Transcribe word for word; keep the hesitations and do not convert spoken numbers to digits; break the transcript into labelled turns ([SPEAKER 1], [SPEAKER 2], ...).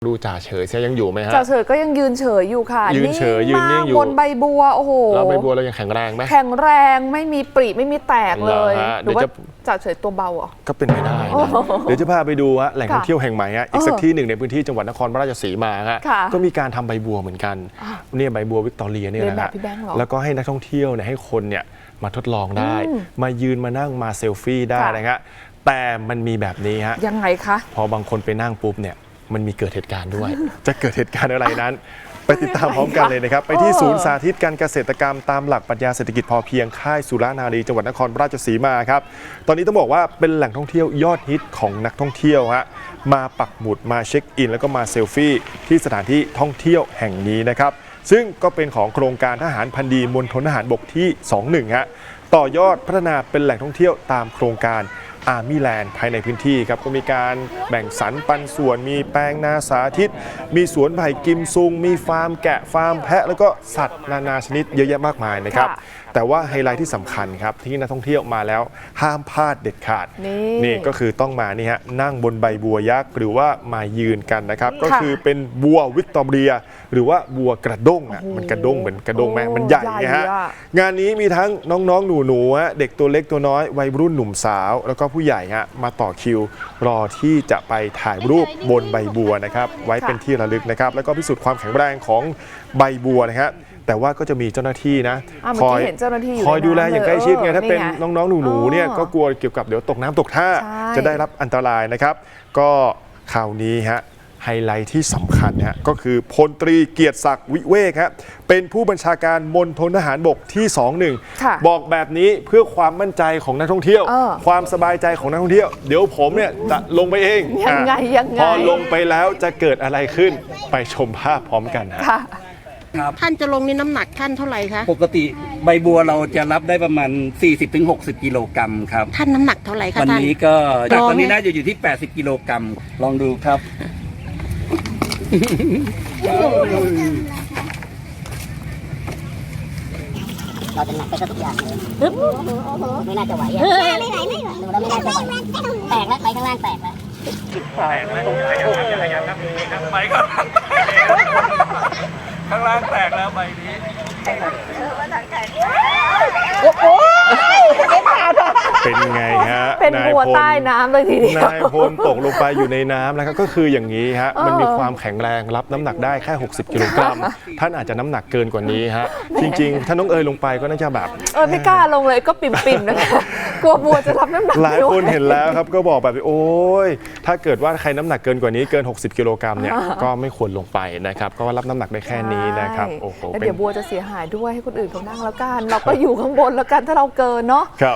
[SPEAKER 1] ดูจ่าเฉยเสียยังอยู่ไหมฮะ
[SPEAKER 2] จ่าเฉยก็ยังยืนเฉยอยู่ค่ะ
[SPEAKER 1] ยืนเฉยยืนนิ่งอยู่
[SPEAKER 2] บนใบบัวโอ้โห
[SPEAKER 1] แล้วใบบัวเรายังแข็งแรงไหม
[SPEAKER 2] แข็งแรงไม่มีปริไม่มีแตกเลยหรือว่าจ่าเฉยตัวเบาอ่ะ
[SPEAKER 1] ก็เป็นไปได้นะเดี๋ยวจะพาไปดูฮะแหล่งท่องเที่ยวแห่งใหม่ฮะอีกสักที่หนึ่งในพื้นที่จังหวัดนครราชสีมาฮะก็มีการทำใบบัวเหมือนกันเนี่ยใบบัววิกตอเรียเนี่ยนะฮะแล้วก็ให้นักท่องเที่ยวเนี่ยให้คนเนี่ยมาทดลองได้มายืนมานั่งมาเซลฟี่ได้นะฮะแต่มันมีแบบนี้ฮะ
[SPEAKER 2] ยังไงคะ
[SPEAKER 1] พอบางคนไปนั่งปุ๊บเนี่ยมันมีเกิดเหตุการณ์ด้วย จะเกิดเหตุการณ์อะไรนั้น ไปติดตามพร้อมกันเลยนะครับไปที่ศูนย์สาธิตการเกษตรกรรมตามหลักปรัชญาเศรษฐกิจพอเพียงค่ายสุรานารีจังหวัดนครราชสีมาครับตอนนี้ต้องบอกว่าเป็นแหล่งท่องเที่ยวยอดฮิตของนักท่องเที่ยวฮะมาปักหมุดมาเช็คอินแล้วก็มาเซลฟี่ที่สถานที่ท่องเที่ยวแห่งนี้นะครับซึ่งก็เป็นของโครงการทหารพันดีมณฑลทหารบกที่สองสิบเอ็ดฮะต่อยอดพัฒนาเป็นแหล่งท่องเที่ยวตามโครงการอาร์มี่แลนด์ภายในพื้นที่ครับก็มีการแบ่งสรรปันส่วนมีแปลงนาสาธิตมีสวนไผ่กิมซุงมีฟาร์มแกะฟาร์มแพะแล้วก็สัตว์นานาชนิดเยอะแยะมากมายนะครับแต่ว่าไฮไลท์ที่สำคัญครับที่นักท่องเที่ยวมาแล้วห้ามพลาดเด็ดขาด น, นี่ก็คือต้องมานี่ฮะนั่งบนใบบัวยักษ์หรือว่ามายืนกันนะครับก็คือเป็นบัววิกตอเรียหรือว่าบัวกระด้งอ่ะมันกระด้งเหมือนกระด้งไหมมันใหญ่ไงฮะงานนี้มีทั้งน้องๆหนูๆฮะเด็กตัวเล็กตัวน้อยวัยรุ่นหนุ่มสาวแล้วก็ผู้ใหญ่ฮะมาต่อคิวรอที่จะไปถ่ายรูปบนใบบัวนะครับไว้เป็นที่ระลึกนะครับแล้วก็พิสูจน์ความแข็งแรงของใบบัวนะครับแต่ว่าก็จะมีเจ้าหน้าที่นะ
[SPEAKER 2] คอย
[SPEAKER 1] คอยดูแลอย่างใกล้ชิดไงถ้าเป็นน้องๆหนูๆเนี่ยก็กลัวเกี่ยวกับเดี๋ยวตกน้ำตกท่าจะได้รับอันตรายนะครับก็คราวนี้ฮะไฮไลท์ที่สำคัญฮะก็คือพลตรีเกียรติศักดิ์วิเวกฮะเป็นผู้บัญชาการมณฑลทหารบกที่สองสิบเอ็ดบอกแบบนี้เพื่อความมั่นใจของนักท่องเที่ยวความสบายใจของนักท่องเที่ยวเดี๋ยวผมเนี่ยจะลงไปเอง
[SPEAKER 2] ยังไงยังไง
[SPEAKER 1] พอลงไปแล้วจะเกิดอะไรขึ้นไปชมภาพพร้อมกันฮะ
[SPEAKER 3] ท่านจะลงนี่น้ำหนักท่านเท่าไหร่คะ
[SPEAKER 4] ปกติใบบัวเราจะรับได้ประมาณ สี่สิบถึงหกสิบ กิโลกรัมครับ
[SPEAKER 3] ท่านน้ำหนักเท่าไหร่คะท่าน
[SPEAKER 4] วันนี้ก็จากตอนนี้น่าจะอยู่ที่ แปดสิบ กิโลกรัมลองดูครับ
[SPEAKER 5] เราจะหนักไปทุกอย่างเลยไม่น่าจะไหวอ่ะไม่ไหวไม่ไหวดูแล้วไม่น่าจะไหวแตกแล้วไปข้างล่างแตกแล้ว
[SPEAKER 4] แตกแล้วขยันครับไปก่อนข้างล่างแตกแล้วใบนี้
[SPEAKER 1] เป็นไงฮะ
[SPEAKER 2] เป็นบัวใต้น้ำเลยทีเดียวน
[SPEAKER 1] ายพลตกลงไปอยู่ในน้ำนะครับก็คืออย่างนี้ฮะมันมีความแข็งแรงรับน้ำหนักได้แค่หกสิบกิโลกรัมท่านอาจจะน้ำหนักเกินกว่านี้ฮะจริงๆถ้าน้องเอ๋ยลงไปก็น่าจะแบบ
[SPEAKER 2] เออไม่กล้าลงเลยก็ปิ่มๆนะคะกลัวบัวจะรับน้ำหนัก
[SPEAKER 1] หลายคนเห็นแล้วครับก็บอกแบบโอ้ยถ้าเกิดว่าใครน้ำหนักเกินกว่านี้เกินหกสิบกิโลกรัมเนี่ยก็ไม่ควรลงไปนะครับก็รับน้ำหนักได้แค่นี้นะครับโอ้โห
[SPEAKER 2] แล้วเดี๋ยวบัวจะเสียหายด้วยให้คนอื่นเขานั่งแล้วกันเราก็อยู่ข้างบนแล้วกันถ้าเราเกินเนาะ